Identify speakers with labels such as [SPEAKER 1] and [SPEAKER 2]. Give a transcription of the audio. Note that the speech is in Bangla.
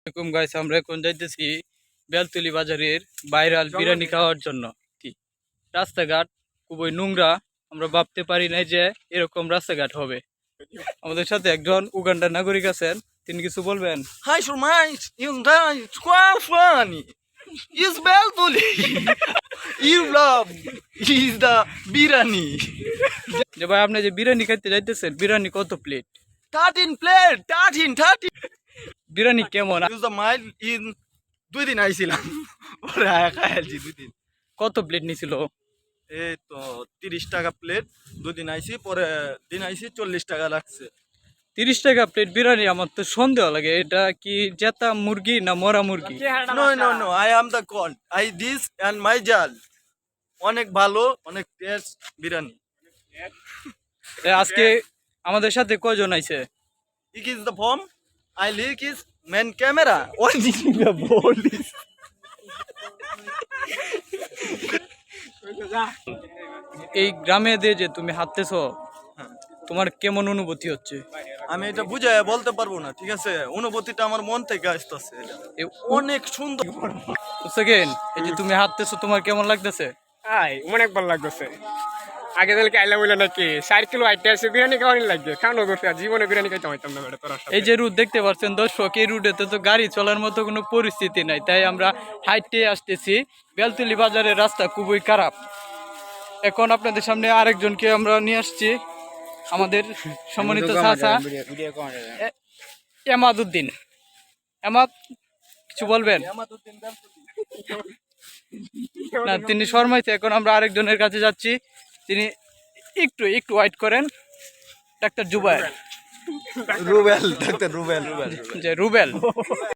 [SPEAKER 1] এরকম গাইস আমরা এখন যাইতেছি বেলতলি বাজারের ভাইরাল বিরিয়ানি খাওয়ার জন্য। রাস্তাঘাট খুবই নোংরা, আমরা ভাবতে পারি নাই যে এরকম রাস্তাঘাট হবে। আমাদের সাথে একজন উগান্ডার নাগরিক আছেন, তিনি কিছু বলবেন।
[SPEAKER 2] Hi, Shurmais, yung dai, qual funny? Is Beltuli. You love is the birani.
[SPEAKER 1] যে ভাই আপনি যে বিরিয়ানি খাইতে যাইতেছেন, বিরিয়ানি কত প্লেট?
[SPEAKER 2] 13 plate, 13.
[SPEAKER 1] বিরিয়ানি কেমন?
[SPEAKER 2] Use the mile in 2 দিন আইছিলাম। পরে আয়া খাইছি 2 দিন।
[SPEAKER 1] কত প্লেট নিছিল?
[SPEAKER 2] এই তো 30 টাকা প্লেট 2 দিন আইছি, পরে দিন আইছি 40 টাকা লাগছে।
[SPEAKER 1] 30 টাকা প্লেট বিরিয়ানি, আমার তো সন্দেহ লাগে এটা কি জেতা মুরগি না মরা মুরগি।
[SPEAKER 2] No, I am the con. I this and my jal. অনেক ভালো, অনেক টেস্ট বিরিয়ানি।
[SPEAKER 1] আজকে আমাদের সাথে কয়জন আইছে?
[SPEAKER 2] It is the form. I leak is main camera. What is the police?
[SPEAKER 1] এই গ্রামে দিয়ে যে তুমি হাঁটতেছো, তোমার কেমন অনুভূতি হচ্ছে?
[SPEAKER 2] আমি এটা বুঝে বলতে পারবো না, ঠিক আছে? অনুভূতিটা আমার মন থেকে আসতেছে। অনেক সুন্দর।
[SPEAKER 1] সেকেন্ড, এই যে তুমি হাঁটতেছো, তোমার কেমন লাগতেছে?
[SPEAKER 3] অনেক ভালো লাগতেছে। আগে তাহলে আইলাম বলে নাকি 4 কিলো আইটে আছে বিরিয়ানি খাওয়ানি লাগবে, খাওয়ানো করছে আর জীবনে বিরিয়ানি খাইতে হইতাম না বেটা তোরা।
[SPEAKER 1] এই যে রুট দেখতে পাচ্ছেন দর্শক, এই রুটেতে তো গাড়ি চলার মতো কোনো পরিস্থিতি নাই, তাই আমরা হাইটে আসতেছি। বেলতলি বাজারের রাস্তা খুবই খারাপ। এখন আপনাদের সামনে আরেকজনকে আমরা নিয়ে আসছি, আমাদের সম্মানিত চাচা এমাদউদ্দিন। এমাদ, কিছু বলবেন? না, তিনি শর্মাইছে। এখন আমরা আরেকজনের কাছে যাচ্ছি, তিনি একটু ওয়েট করেন। Doctor Zubair,
[SPEAKER 2] Rubel, doctor Rubel.
[SPEAKER 1] যে রুবেল।